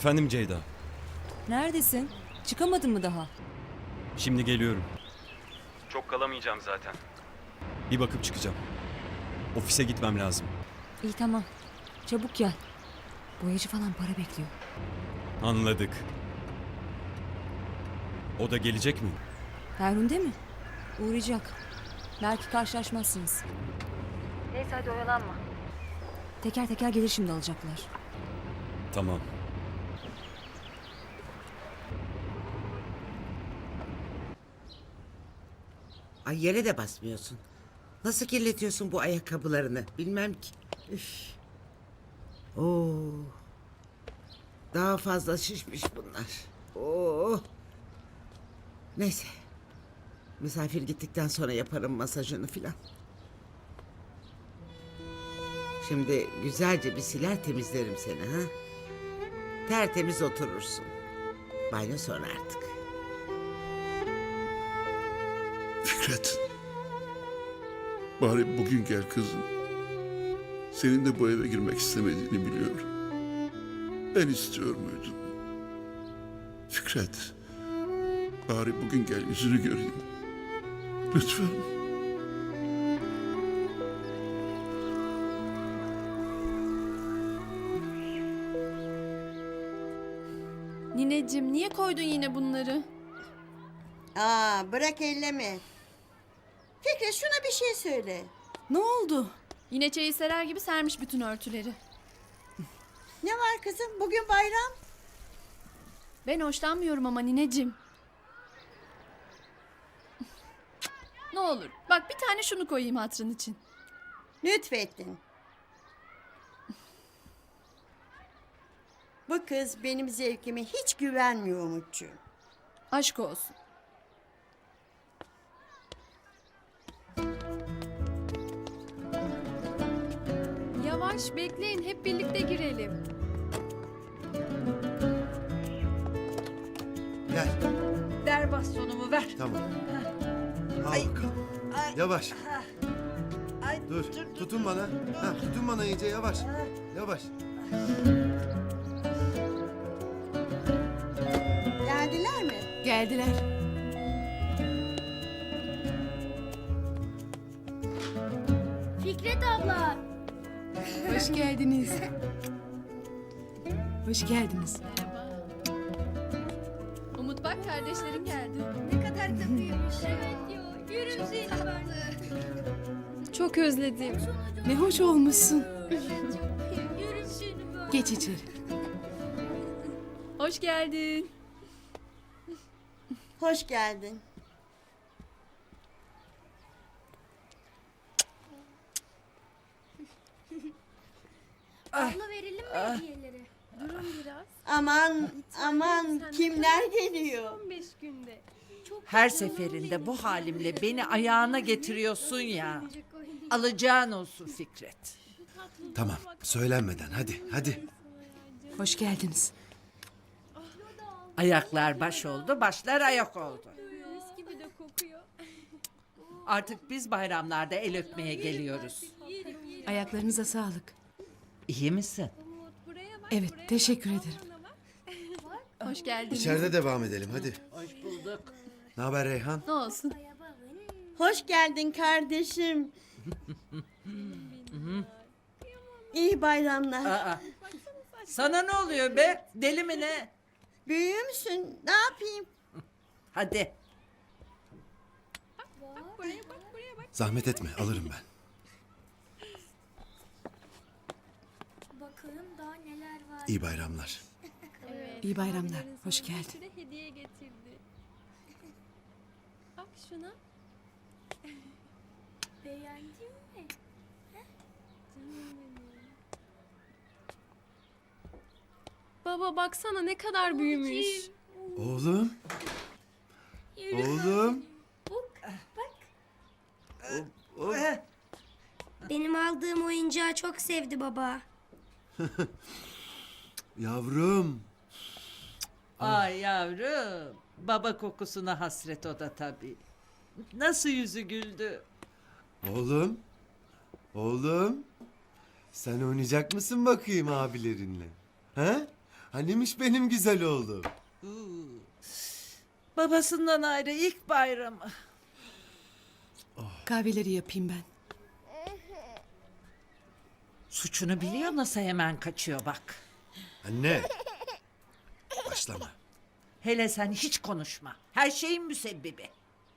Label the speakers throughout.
Speaker 1: Efendim Ceyda.
Speaker 2: Neredesin? Çıkamadın mı daha?
Speaker 1: Şimdi geliyorum. Çok kalamayacağım zaten. Bir bakıp çıkacağım. Ofise gitmem lazım.
Speaker 2: İyi tamam. Çabuk gel. Boyacı falan para bekliyor.
Speaker 1: Anladık. O da gelecek mi?
Speaker 2: Ferhunde mi? Uğrayacak. Belki karşılaşmazsınız. Neyse hadi oyalanma. Teker teker gelir şimdi alacaklar.
Speaker 1: Tamam.
Speaker 3: Ay yere de basmıyorsun. Nasıl kirletiyorsun bu ayakkabılarını? Bilmem ki. Üf. Oo. Daha fazla şişmiş bunlar. Oo. Neyse. Misafir gittikten sonra yaparım masajını filan. Şimdi güzelce bir siler temizlerim seni ha. Tertemiz oturursun. Banyo sonra artık.
Speaker 4: Fikret. Bari bugün gel kızım. Senin de bu eve girmek istemediğini biliyorum. Ben istiyor muydum? Fikret. Bari bugün gel yüzünü göreyim. Lütfen.
Speaker 5: Nineciğim niye koydun yine bunları?
Speaker 6: Aa, bırak elleme. Fikret şuna bir şey söyle.
Speaker 5: Ne oldu? Yine çayı serer gibi sermiş bütün örtüleri.
Speaker 6: Ne var kızım? Bugün bayram.
Speaker 5: Ben hoşlanmıyorum ama nineciğim. Ne olur bak bir tane şunu koyayım hatırın için.
Speaker 6: Lütfettin. Bu kız benim zevkime hiç güvenmiyor Umutcuğum.
Speaker 5: Aşk olsun. Yavaş bekleyin hep birlikte girelim.
Speaker 7: Gel.
Speaker 6: Ver bastonumu ver.
Speaker 7: Tamam. Al bakalım. Yavaş.
Speaker 6: Ay,
Speaker 7: Dur. Tutun bana. Ha, tutun bana iyice yavaş. Yavaş.
Speaker 6: Geldiler mi?
Speaker 5: Geldiler.
Speaker 8: Fikret abla.
Speaker 5: Hoş geldiniz. Hoş geldiniz. Umut bak kardeşlerim geldi.
Speaker 8: Ne kadar da büyümüş. Evet diyor. Yürü seni vardı.
Speaker 5: Çok özledim. Ne hoş olmuşsun.
Speaker 8: Yürü seni böyle.
Speaker 5: Geç içeri. Hoş geldin.
Speaker 6: Hoş geldin.
Speaker 8: Abla verelim mi hediyeleri?
Speaker 5: Durun biraz.
Speaker 6: Aman aman kimler geliyor?
Speaker 5: 15 günde.
Speaker 9: Her seferinde bu halimle beni ayağına getiriyorsun ya. Alacağın olsun Fikret.
Speaker 7: Tamam. Söylenmeden hadi hadi.
Speaker 5: Hoş geldiniz.
Speaker 9: Ayaklar baş oldu, başlar ayak oldu.
Speaker 8: Mis gibi de kokuyor.
Speaker 9: Artık biz bayramlarda el öpmeye geliyoruz.
Speaker 5: Ayaklarınıza sağlık.
Speaker 9: İyi misin?
Speaker 5: Evet, teşekkür ederim. Hoş geldiniz.
Speaker 7: İçeride devam edelim hadi.
Speaker 9: Hoş bulduk.
Speaker 7: Ne haber Reyhan?
Speaker 5: Ne olsun?
Speaker 6: Hoş geldin kardeşim. İyi bayramlar.
Speaker 9: Aa, sana ne oluyor be? Deli mi ne?
Speaker 6: Büyüğü müsün? Ne yapayım?
Speaker 9: Hadi.
Speaker 7: Zahmet etme alırım ben.
Speaker 8: Bakın daha neler var.
Speaker 7: İyi bayramlar.
Speaker 5: İyi bayramlar. Hoş geldin.
Speaker 8: Hediye getirdi. Bak şuna. Beğendin mi?
Speaker 5: Baba baksana ne kadar büyümüş.
Speaker 7: Oğlum. Oğlum.
Speaker 8: Benim aldığım oyuncağı çok sevdi baba.
Speaker 7: Yavrum.
Speaker 9: Ay yavrum. Baba kokusuna hasret o da tabii. Nasıl yüzü güldü?
Speaker 7: Oğlum. Oğlum. Sen oynayacak mısın bakayım abilerinle? Ha? Hanimiş benim güzel oğlum.
Speaker 9: Babasından ayrı ilk bayramı.
Speaker 10: Kahveleri yapayım ben.
Speaker 9: Suçunu biliyor nasıl hemen kaçıyor bak.
Speaker 7: Anne. Başlama.
Speaker 9: Hele sen hiç konuşma. Her şeyin müsebbibi.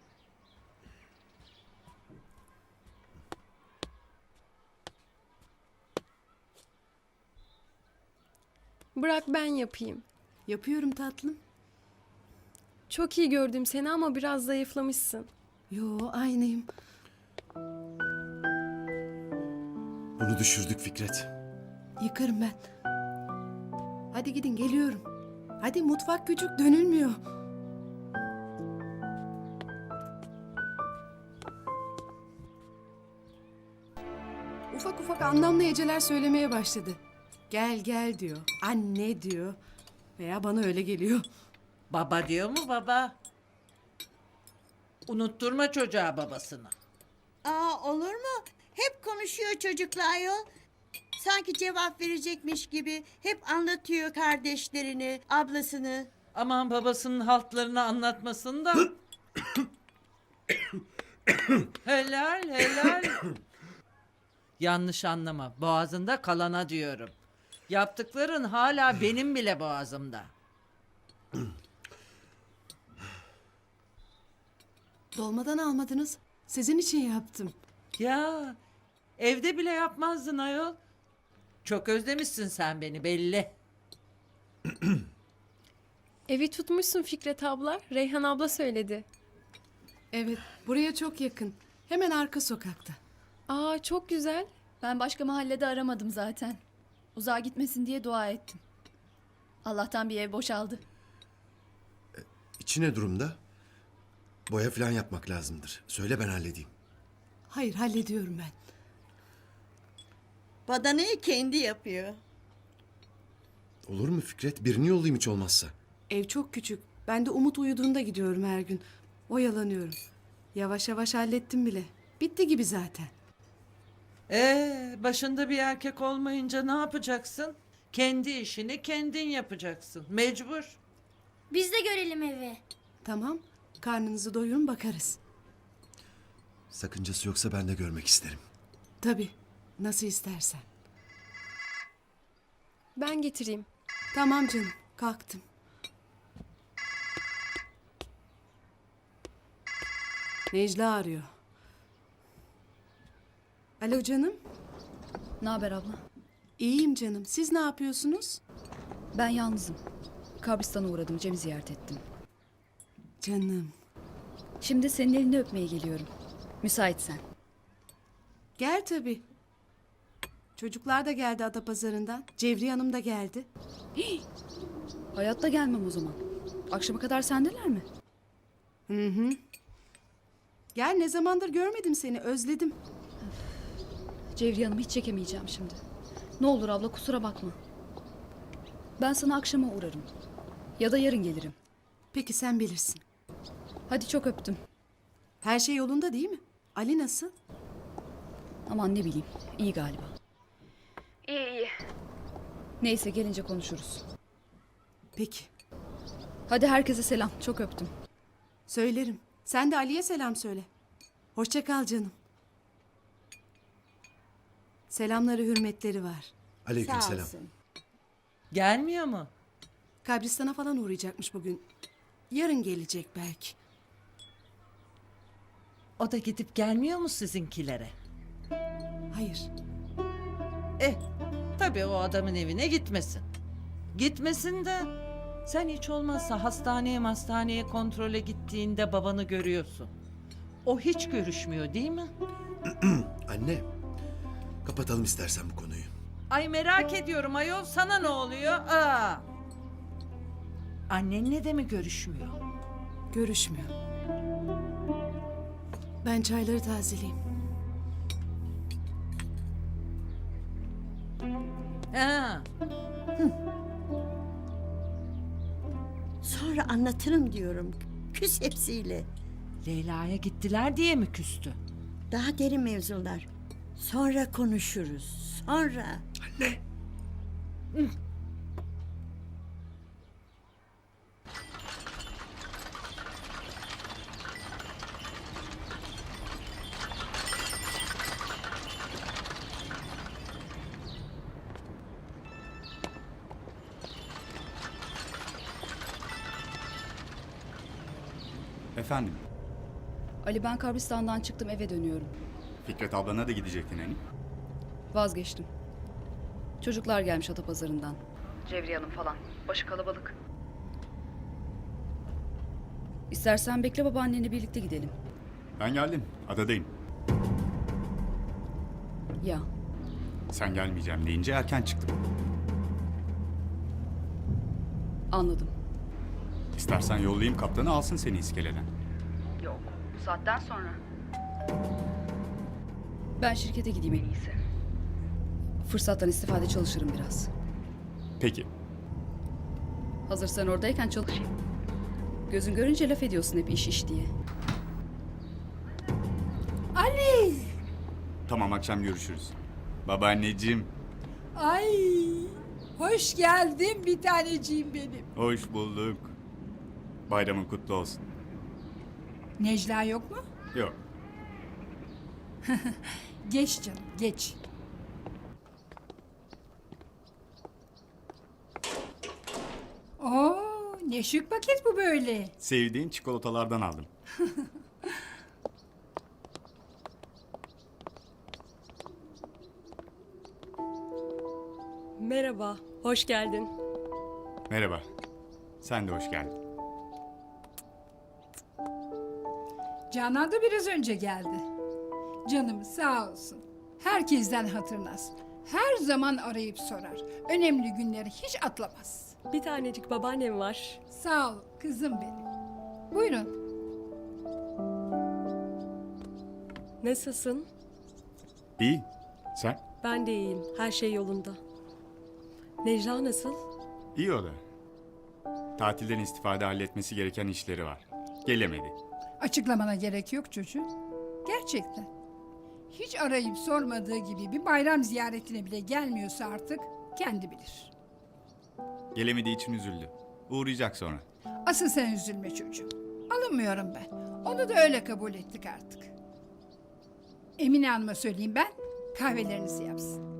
Speaker 8: Bırak ben yapayım.
Speaker 10: Yapıyorum tatlım.
Speaker 8: Çok iyi gördüm seni ama biraz zayıflamışsın.
Speaker 10: Yo, aynıyım.
Speaker 7: Bunu düşürdük Fikret.
Speaker 10: Yıkarım ben. Hadi gidin, geliyorum. Hadi, mutfak küçük, dönülmüyor. Ufak ufak anlamlı heceler söylemeye başladı. Gel gel diyor. Anne diyor. Veya bana öyle geliyor.
Speaker 9: Baba diyor mu baba? Unutturma çocuğa babasını.
Speaker 6: Aa, olur mu? Hep konuşuyor çocukla ayol. Sanki cevap verecekmiş gibi hep anlatıyor kardeşlerini, ablasını.
Speaker 9: Aman babasının haltlarını anlatmasın da. Helal helal. Yanlış anlama. Boğazında kalana diyorum. Yaptıkların hala benim bile boğazımda.
Speaker 10: Dolmadan almadınız. Sizin için yaptım.
Speaker 9: Ya evde bile yapmazdın ayol. Çok özlemişsin sen beni belli.
Speaker 8: Evi tutmuşsun Fikret abla. Reyhan abla söyledi.
Speaker 10: Evet, buraya çok yakın. Hemen arka sokakta.
Speaker 8: Aa çok güzel.
Speaker 5: Ben başka mahallede aramadım zaten. Uzağa gitmesin diye dua ettim. Allah'tan bir ev boşaldı.
Speaker 7: İçi ne durumda? Boya falan yapmak lazımdır. Söyle ben halledeyim.
Speaker 10: Hayır, hallediyorum ben.
Speaker 6: Badanayı kendi yapıyor.
Speaker 7: Olur mu Fikret? Birini yollayayım hiç olmazsa.
Speaker 10: Ev çok küçük. Ben de Umut uyuduğunda gidiyorum her gün. Oyalanıyorum. Yavaş yavaş hallettim bile. Bitti gibi zaten.
Speaker 9: Başında bir erkek olmayınca ne yapacaksın? Kendi işini kendin yapacaksın. Mecbur.
Speaker 8: Biz de görelim evi.
Speaker 10: Tamam. Karnınızı doyurun, bakarız.
Speaker 7: Sakıncası yoksa ben de görmek isterim.
Speaker 10: Tabii. Nasıl istersen.
Speaker 8: Ben getireyim.
Speaker 10: Tamam canım. Kalktım. Necla arıyor. Alo canım.
Speaker 5: Ne haber abla?
Speaker 10: İyiyim canım. Siz ne yapıyorsunuz?
Speaker 5: Ben yalnızım. Kabristan'a uğradım, Cem'i ziyaret ettim.
Speaker 10: Canım.
Speaker 5: Şimdi senin elini öpmeye geliyorum. Müsaitsen.
Speaker 10: Gel tabii. Çocuklar da geldi Adapazarı'ndan. Cevriye Hanım da geldi.
Speaker 5: Hayatta gelmem o zaman. Akşama kadar sendeler mi?
Speaker 10: Gel, ne zamandır görmedim seni. Özledim.
Speaker 5: Cevriye Hanım'ı hiç çekemeyeceğim şimdi. Ne olur abla kusura bakma. Ben sana akşama uğrarım. Ya da yarın gelirim.
Speaker 10: Peki, sen bilirsin.
Speaker 5: Hadi çok öptüm.
Speaker 10: Her şey yolunda değil mi? Ali nasıl?
Speaker 5: Aman ne bileyim. İyi galiba. İyi. Neyse gelince konuşuruz.
Speaker 10: Peki.
Speaker 5: Hadi herkese selam. Çok öptüm.
Speaker 10: Söylerim. Sen de Ali'ye selam söyle. Hoşça kal canım. Selamları, hürmetleri var.
Speaker 6: Sağ
Speaker 7: Aleykümselam.
Speaker 6: olsun.
Speaker 9: Gelmiyor mu?
Speaker 10: Kabristan'a falan uğrayacakmış bugün. Yarın gelecek belki.
Speaker 9: O da gidip gelmiyor mu sizinkilere?
Speaker 10: Hayır.
Speaker 9: Tabii o adamın evine gitmesin. Gitmesin de sen hiç olmazsa hastaneye kontrole gittiğinde babanı görüyorsun. O hiç görüşmüyor değil mi?
Speaker 7: Anne, kapatalım istersen bu konuyu.
Speaker 9: Ay merak ediyorum ayol, sana ne oluyor? Aa. Annenle de mi görüşmüyor?
Speaker 10: Görüşmüyor. Ben çayları tazeleyeyim.
Speaker 9: Ha.
Speaker 6: Sonra anlatırım diyorum. Küs hepsiyle.
Speaker 9: Leyla'ya gittiler diye mi küstü?
Speaker 6: Daha derin mevzular. Sonra konuşuruz. Sonra.
Speaker 11: Efendim,
Speaker 5: Ali ben kabristandan çıktım eve dönüyorum.
Speaker 11: Fikret ablana da gidecektin hani?
Speaker 5: Vazgeçtim. Çocuklar gelmiş Atapazarı'ndan. Cevriye Hanım falan. Başı kalabalık. İstersen bekle babaannenle birlikte gidelim.
Speaker 11: Ben geldim, adadayım.
Speaker 5: Ya
Speaker 11: Sen gelmeyeceğim deyince erken çıktım.
Speaker 5: anladım.
Speaker 11: İstersen yollayayım kaptanı alsın seni iskeleden.
Speaker 5: Yok bu saatten sonra. Ben şirkete gideyim en iyisi. Fırsattan istifade çalışırım biraz.
Speaker 11: Peki,
Speaker 5: Hazır sen oradayken çalışayım. Gözün görünce laf ediyorsun hep iş diye.
Speaker 11: tamam akşam görüşürüz. Babaanneciğim,
Speaker 8: Ay, hoş geldin bir taneciğim benim.
Speaker 11: hoş bulduk. Bayramın kutlu olsun.
Speaker 8: Necla yok mu?
Speaker 11: Yok,
Speaker 8: Geç canım, geç. Oo, ne şık paket bu böyle.
Speaker 11: sevdiğin çikolatalardan aldım.
Speaker 12: Merhaba, hoş geldin.
Speaker 11: Merhaba, sen de hoş geldin.
Speaker 8: Canan da biraz önce geldi. Canım sağ olsun. Herkesten hatırlas. Her zaman arayıp sorar. Önemli günleri hiç atlamaz.
Speaker 12: Bir tanecik babaannem var.
Speaker 8: Sağ ol kızım benim. Buyurun.
Speaker 12: Nasılsın?
Speaker 11: İyi, sen?
Speaker 12: Ben de iyiyim, her şey yolunda. Necla nasıl?
Speaker 11: İyi o da. Tatilden istifade halletmesi gereken işleri var. Gelemedi.
Speaker 8: Açıklamana gerek yok çocuğum. Gerçekten. Hiç arayıp sormadığı gibi bir bayram ziyaretine bile gelmiyorsa artık kendi bilir.
Speaker 11: Gelemediği için üzüldü. Uğrayacak sonra.
Speaker 8: Asıl sen üzülme çocuğum. Alınmıyorum ben. Onu da öyle kabul ettik artık. Emine Hanım'a söyleyeyim ben, kahvelerinizi yapsın.